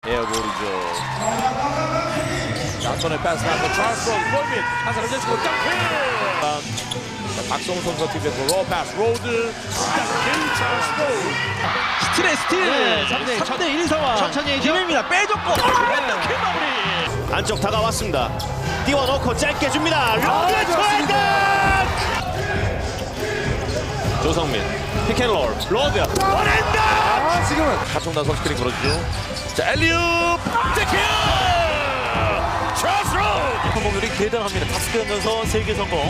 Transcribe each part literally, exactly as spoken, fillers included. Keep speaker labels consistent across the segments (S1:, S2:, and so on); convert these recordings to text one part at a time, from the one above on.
S1: 에어볼이죠. 안톤의 패스 나서 찰스 로드 골밑 한 사람 제치고 덩크. 박성훈 선수가 팀에서 로우 패스 로드 덩크 찰스 로드.
S2: 스틸의 스틸.
S3: 네,
S2: 삼 대 일 상황.
S3: 천천히 해죠.
S2: 기회입니다. 빼줬고. 덩크 마무리.
S4: 안쪽 다가왔습니다. 띄워놓고 짧게 줍니다. 로드 트라이드. 조성민 피켄롤 로드 원핸드.
S1: 아, 지금은 하청단 선수 스크린 걸어주죠. 자 엘리웁 덩크 찰스 로드.
S4: 성공률이 대단합니다. 다섯 개 넣으면서 세 개 성공.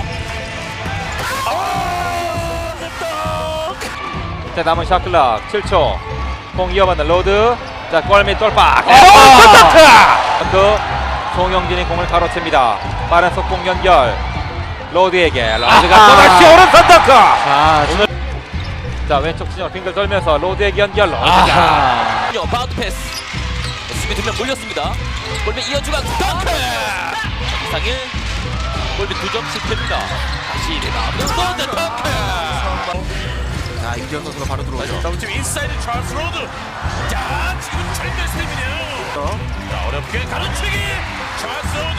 S5: 자 남은 샷클락 칠 초 공 이어받는 로드. 자 골밑 돌파. 덩크. 송영진이 공을 가로챕니다. 빠른 속공 연결 로드에게. 로드가 또다시 오른손 덩크.
S2: 자,
S5: 오늘 자 왼쪽 진영 빙글 돌면서 로드에게 연결. 로드가
S3: 바운드 패스. 수비 두 명 몰렸습니다. 골밑 이어주가 덩크. 이상일 골밑 두 점 실패입니다. 다시 리바운드 로드 덩크.
S2: 자, 임지현 선수가 바로 들어오죠.
S1: 더블팀 인사이드 찰스 로드. 자 지금 절대 스텝이네요. 자 어렵게 가로채기 찰스 로드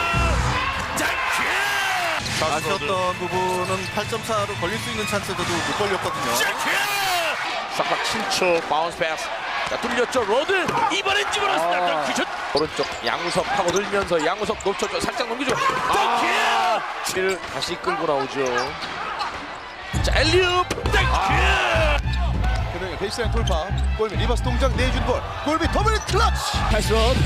S1: 덩크.
S2: 아쉬웠던 부분은 팔 점 차로 걸릴 수 있는 찬스도 못 걸렸거든요.
S1: 싹박 칠 초 바운스 패스. 자 뚫렸죠 로드. 이번엔 집어넣습니다.
S2: 아.
S1: 덩크 슛. 오른쪽 양우석 파고 들면서 양우석 놓쳐줘 살짝 넘기죠. 덩크. 칠 다시 끌고 나오죠. 자 엘리웁 덩크.
S2: 그러면 베이스라인 돌파. 골밑 리버스 동작 내준 볼. 골밑 더블 클러치.
S3: 찰스 로드.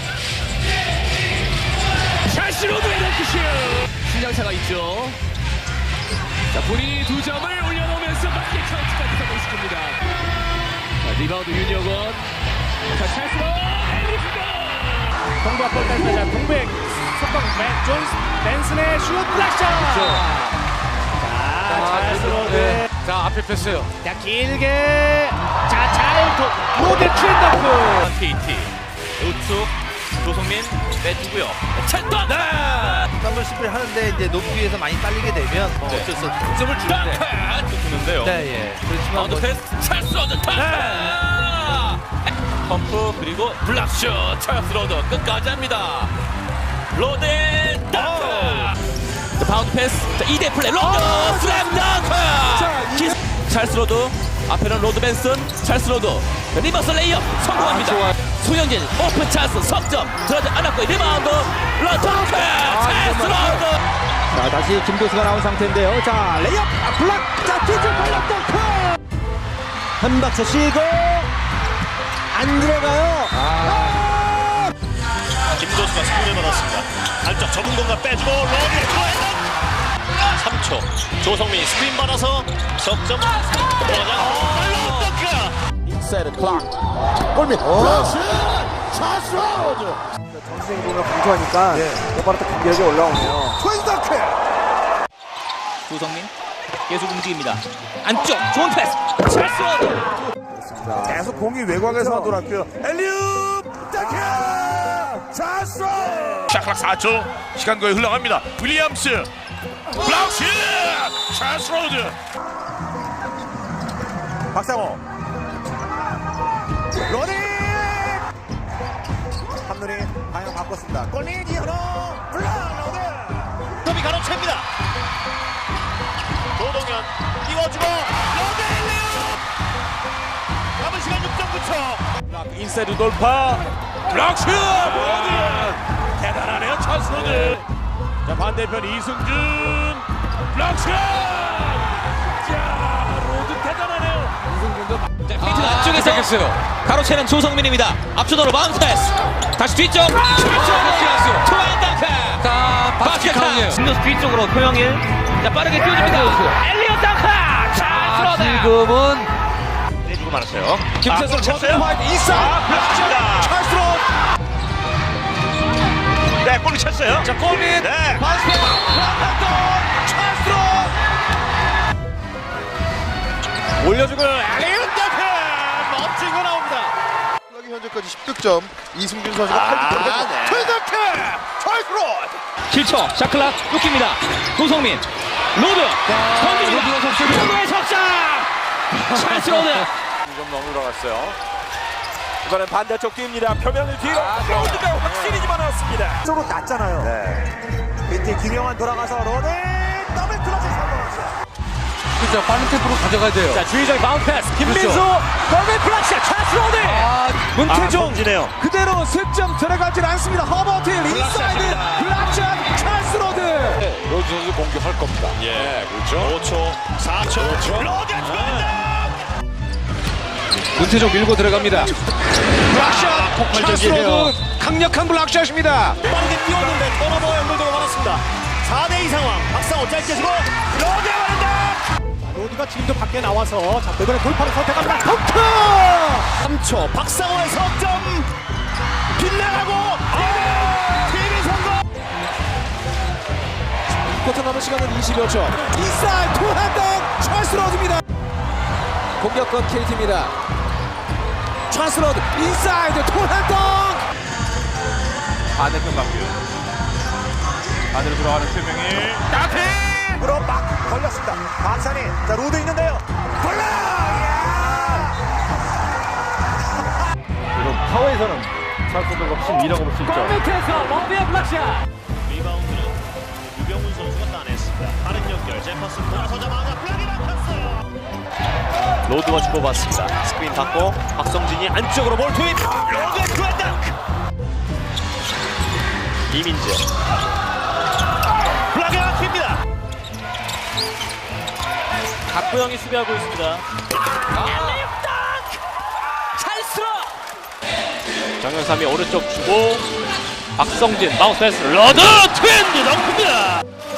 S3: 찰스 로드의 덩크슛. 신장차가 있죠. 자 본인이 두 점을 올려놓으면서 맞게 카운트까지 성공시킵니다. 자 리바운드 윤여건. 자 찰스 로드.
S6: 동부 앞볼 뺐다. 자 동백 속공 맨 존스 벤슨의 슛 블락샷. 자 찰스 로드.
S5: 자 앞에 패스.
S6: 자 길게 자잘 로드 트렌더크.
S3: 케이티 우측 조성민 빼주고요. 찰떡. 네.
S2: 삼 십 분 하는데 이제 높이에서 많이 딸리게 되면 뭐
S3: 네.
S2: 어쩔 수 없이 득점을 주는데.
S3: 또 주는데요.
S2: 네, 예. 그렇지만
S3: 바운드
S2: 뭐
S3: 패스 찰스 로드 덩크. 펌프 그리고 블락슛 찰스 로드 끝까지 합니다. 로드의 덩크. 자, 바운드 패스. 자, 이 대 플레이 로드 슬램 덩크. 기- 찰스 로드 앞에는 로드 벤슨 찰스 로드 리버스 레이업 성공합니다. 소영진 오픈 찬스 석점 들어가지 않았고 리바운드 로드 덩크 찰스 로드.
S6: 자 다시 김도수가 나온 상태인데요. 자 레이업 아, 블락. 자 뒤쪽 블락 덩크. 한 박자 쉬고 안 들어가요. 아.
S4: 김도수가 스크린을 받았습니다. 안쪽 좁은 공간 빼주고 로드 트라이드. 삼 초 조성민이 스크린 받아서 석점 들어가자. 로드 덩크.
S1: 인사이드 클락 골밑 플러시 찰스 로드.
S6: 전생 공을 강조하니까 바로 또 공격이 올라오네요.
S1: 트윈 덩크.
S3: 조성민 계속 움직입니다. 안쪽 좋은 패스 찰스 로드.
S1: 계속 공이 외곽에서만 돌았고요. 엘리웁 덩크 찰스 로드. 샤클락 사 초 시간 거의 흘러갑니다. 윌리엄스 블락슛 찰스 로드. 박상호 로딩 한눈이 방향 바꿨습니다. 골밑 이현호 블락 로드.
S4: 톱이 가로챕니다. 조동현 띄워주고 로드 엘리웁. 남은 시간 육 점 구 초.
S1: 인사이드 돌파 블락슛 로드. 대단하네요 찰스 로드. 자 반대편 이승준 블락슛. 자 로드 대단하네요. 이승준도
S3: 자, 페이트 안쪽에서 가로채는 조성민입니다. 앞쪽으로 바운드 패스. 다시 뒤쪽. 투안 덩크. 자, 바스켓. 진노스 뒤쪽으로 표영일. 자, 빠르게 뛰어줍니다. 엘리엇 덩크. 찰스 로드. 지금은
S4: 내주고 말았어요.
S1: 김찬성 찼어요. 인사이드 블락슛 찰스 로드.
S4: 네, 골을 찼어요.
S1: 자 골밑
S4: 네.
S1: 바스켓 블락슛 찰스 로드. 올려주고 엘리웁 덩크 멋진 거 나옵니다.
S2: 현재까지 십 득점. 이승준 선수가
S4: 아,
S2: 팔 득점.
S4: 네.
S2: 트윈더크 찰스 로드.
S3: 칠 초 샤클락 뚝깁니다. 조성민 로드 던집니다. 로드의 석점 찰스 로드.
S1: 좀 너무 들어갔어요.
S5: 이번엔 반대쪽 뜁니다. 표면을 뒤로 로드가 확실히 집어넣었습니다.
S6: 쪽으로 났잖아요. 네. 이때 김영환 돌아가서 로데 더블 클러치 성공했어요.
S7: 그렇죠. 빠른 템포로 가져가야 돼요.
S3: 자, 주의적 바운드 패스. 김민수.
S7: 그렇죠.
S3: 골밑 플락샷. 찬스 로드.
S7: 아,
S3: 문태종.
S6: 그대로 승점 들어가질 않습니다. 허버트 인사이드 블락샷 찰스 로드.
S7: 로즈 선수 공격할 겁니다.
S4: 예, 그렇죠. 오 초, 사 초, 로드 들어간다.
S7: 문태종 밀고 들어갑니다.
S4: 블락샷, 폭발적이에요.
S7: 강력한 블락샷입니다.
S4: 빠르게 뛰었는데 턴오버 연결도가 많았습니다. 사 대 이 상황. 박상호 짧게 주고 로드 가는다.
S6: 로드가 지금도 밖에 나와서 자 이번에 돌파를 선택합니다. 덩크!
S4: 삼 초 박상호의 석점 빗나가고 티비 성공.
S6: 쿼터 남은 시간은 이십여 초. 인사이드 투핸드 찰스 로드입니다. 공격권 케이티입니다. 찰스 로드 인사이드 투핸드.
S5: 반대편 맞고요. 반대로 돌아가는 최명일.
S6: 으로 막 걸렸습니다. 박찬희 자 로드 있는데요. 골라!
S5: 이런 파워에서는 찰스도 훨씬 밀어볼 수 있죠.
S3: 골밑에서 러비의 블락샷.
S4: 리바운드는 유병훈 선수가 따냈습니다. 빠른 연결 제퍼슨 돌아서자마자 블락이 막혔어요. 로드가 주고받습니다. 스크린 받고 박성진이 안쪽으로 볼 투입. 로드의 투앤다크. 이민재 블락이 막힙니다.
S3: 박보영이 수비하고 있습니다. 찰스로.
S4: 정현삼이 오른쪽 주고 박성진 마우스 패스 로드 트윈드 덩크입니다.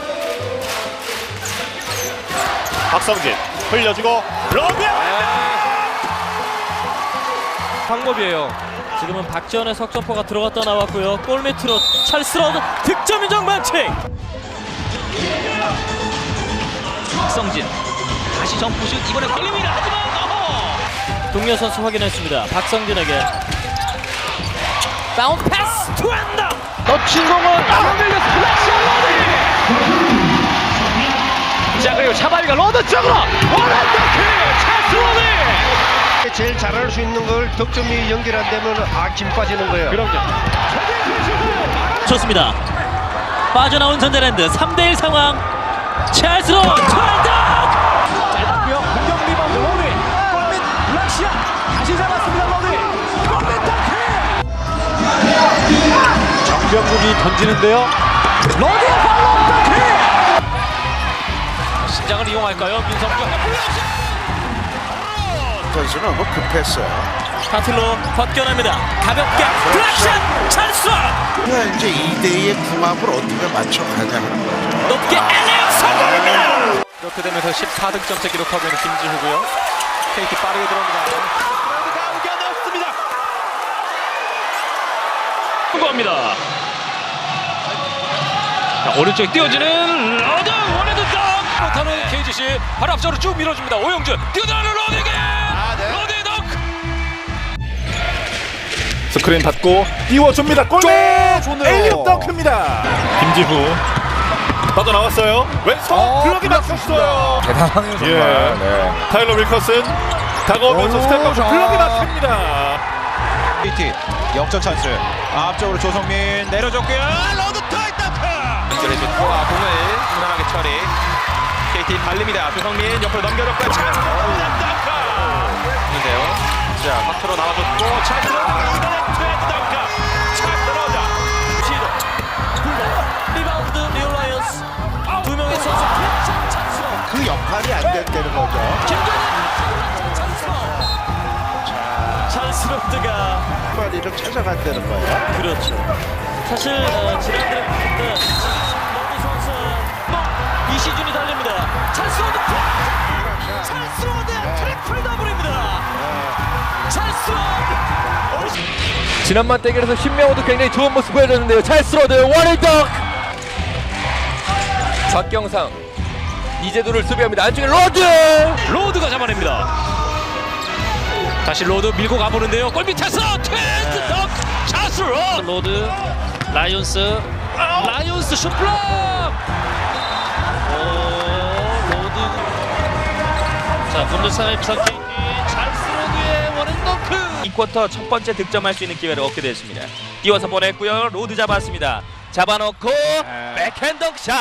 S4: 박성진 흘려주고 로드
S3: 방법이에요. 지금은 박지원의 석점포가 들어갔다 나왔고요. 골밑으로 찰스 로드 득점 인정 반칙. 박성진 다시 점프슛 이번에 걸립니다. 하지만 어허. 동료 선수 확인했습니다. 박성진에게 다운 패스 투앤다.
S7: 놓친 공은 안 밀렸어. 플래시 로드. 자 그리고 차바리가 로드 쪽으로 원앤더크 찰스 로드.
S8: 제일 잘할 수 있는 걸 득점이 연결 안 되면 아 김 빠지는 거예요.
S7: 그럼요.
S3: 좋습니다. 빠져나온 전자랜드 삼 대 일 상황. 찰스 로드 투앤다. 짧았고요. 공격 리바운드 로드. 골밑 블락샷. 다시 잡았습니다. 로드. 골밑 덩크.
S7: 정병국이 던지는데요.
S3: 로드의 팔로우 덩크.
S7: 신장을 이용할까요? 민성준.
S8: 선수는 너무 급했어요.
S3: 타틀로 벗겨냅니다. 가볍게 블락샷 찰스.
S8: 이제 이 대 이의 궁합을 어떻게 맞춰가냐는 거죠.
S3: 높게 엘리엇 성공입니다.
S5: 이렇게 되면서 십사 득점째 기록하고 있는 김지후고요. 케이티 빠르게 들어옵니다.
S4: 감겨냈습니다. 성공합니다.
S7: 자, 오른쪽 뛰어지는 로드 원헤드 덩크. 못하는 케이지씨 바로 앞쪽으로 쭉 밀어줍니다. 오영준 뛰어들어가는 로드에게 로드의 덩크.
S1: 스크린 받고 띄워줍니다. 골밑 엘리엇 덩크입니다. 김지후 빠져나왔어요. 왼손 블록이 막혔어요.
S7: 대단하네요 정말.
S1: 예.
S7: 네.
S1: 타일러 윌커슨 다가오면서 스텝업 블록이 막힙니다.
S2: 케이티 역전 찬스. 앞쪽으로 조성민 내려줬고요. 로드 타이터크.
S5: 연결해준 포아 공을 무난하게 처리. 케이티 발립니다. 조성민 옆으로 넘겨줬고요. 찬스 덩크. 있는데요. 자, 밖으로 나와줬고 찬스 덩크.
S3: 리바운드 리오 라이언스 두 명의 선수 득점 찬스로.
S8: 그 역할이 안 된다는 거죠.
S3: 김준현 찬스로. 찰스로드가
S8: 빨리를 찾아간다는 거예요.
S3: 그렇죠. 사실 어, 지난 드래프트 때 로드 선수 이시준이 달립니다. 찰스로드 찰스로드 트리플 더블입니다. 찰스로드.
S5: 지난번 대결에서 신명호도 굉장히 좋은 모습 보여줬는데요. 찰스 로드 원앤더크. 박경상 이재도를 수비합니다. 안쪽에 로드.
S7: 로드가 잡아냅니다. 다시 로드 밀고 가보는데요. 골 밑에서 트윈드 덩크 찰스 로드.
S3: 로드 라이온스 라이온스 슛블럭. 오 로드. 자 분들상의 부산 케이티 찰스 로드의 원앤더크. 이 쿼터 첫 번째 득점할 수 있는 기회를 얻게 됐습니다. 띄워서 보냈고요. 로드 잡았습니다. 잡아놓고 백핸드 샷.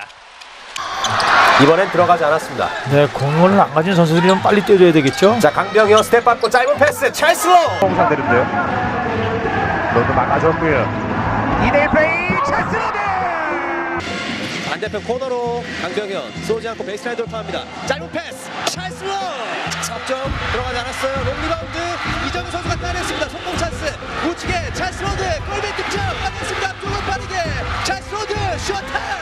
S6: 이번엔 들어가지 않았습니다.
S7: 네, 공을 안 가진 선수들이 좀 빨리 뛰어줘야 되겠죠.
S6: 자, 강병현 스텝 받고 짧은 패스 찰스로
S1: 상대인데요. 로드 막아줬고요. 이 대 일 플레이 찰스 로드.
S6: 반대편 코너로 강병현 쏘지 않고 베이스라인 돌파합니다. 짧은 패스 찰스로 석점 들어가지 않았어요. 롱 리바운드 이정우 선수가 따냈습니다. 성공 찬스 우측에 찰스로드 골밑 득점 받았습니다. 두번 빠르게 찰스로드 슈어타임.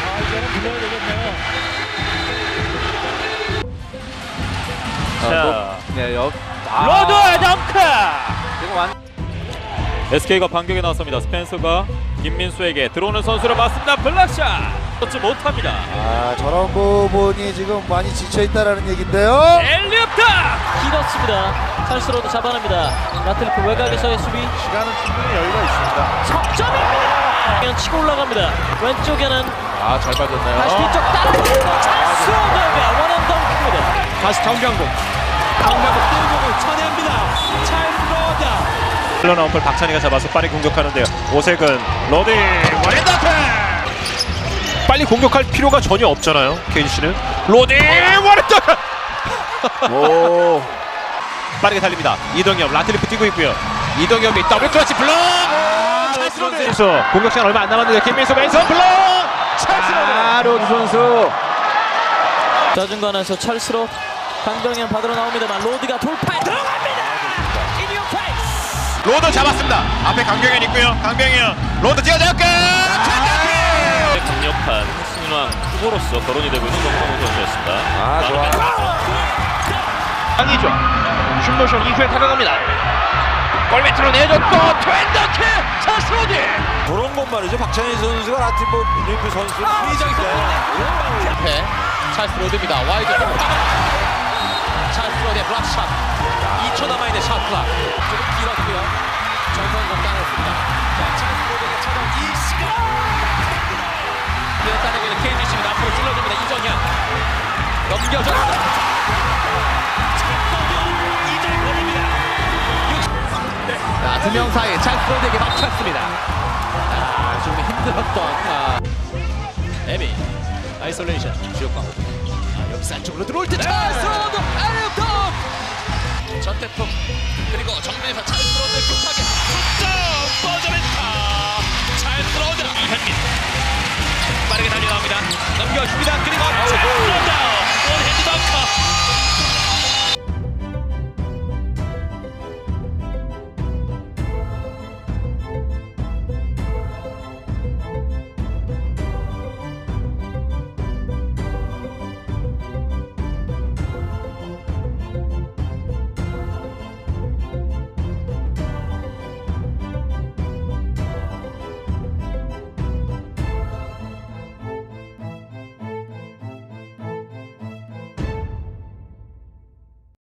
S3: 자,
S5: 네, 역.
S3: 로드 덩크.
S5: 지금 완. 에스케이가 반격에 나섭니다. 스펜서가 김민수에게 들어오는 선수를 맞습니다. 블락샷. 넣지 못합니다.
S2: 아, 저런 부분이 지금 많이 지쳐있다라는 얘긴데요.
S3: 엘리업다.
S9: 길었습니다. 찰스로도 잡아냅니다. 라틀리프 외곽에서의 수비.
S2: 시간은 충분히 여유가 있습니다.
S9: 석점입니다. 그냥 치고 올라갑니다. 왼쪽에는
S5: 아, 잘 빠졌나요?
S9: 다시 뒤쪽 따라붙는 찰스로드가 원앤 덩크입니다.
S7: 다시 강병국. 강병국 띄우고 쳐냅니다. 찰스로드.
S4: 흘러나온 볼 박찬희가 잡아서 빠르게 공격하는데요. 오색은 로디 원앤더크. 빨리 공격할 필요가 전혀 없잖아요. 케이지씨는 로디 원앤더크. 오. 빠르게 달립니다. 이동엽 라틀리프 뛰고 있고요. 이동엽이 더블 클러치 블록. 찰스 로드. 공격 시간 얼마 안 남았는데 김민수 왼손 블록. 찰스 로드.
S5: 아, 로드 선수.
S9: 좌중간에서 찰스로 강병현 받으러 나옵니다만 로드가 돌파에 들어갑니다. 인이어 페이스.
S1: 로드 잡았습니다. 앞에 강병현 있고요. 강병현 로드 뛰어잡고
S4: 강력한 신왕 후보로서 거론이 되고 있는 정성호 선수였습니다.
S5: 아, 좋아.
S4: 강이죠. 슛모션 이후에 다가갑니다. 골 밑으로 내줬고 트웬더크 찰스 로드.
S2: 그런 건 말이죠. 박찬희 선수가 라티브 리프 선수
S9: 앞에 찰스 로드입니다. 와이드 찰스 로드의 블락샷. 이 초 남아있는 샷 클락. 조금 길었고요. 정성공 따냈습니다. 자, 찰스 로드가 찾아온 이 시간. 뛰어따내고 있는 케이지씨입니다. 앞으로 찔러줍니다. 이정현 넘겨줬습니다. 자, 두 명 사이 찰스 로드에게 맞췄습니다. 아, 좀 힘들었던 아, 에미 아이솔레이션 주역광. 아, 여기서 안쪽으로 들어올 때 찰스 로드 아이업덕 전태풍 그리고 정면에서 찰스 로드 급하게 득점.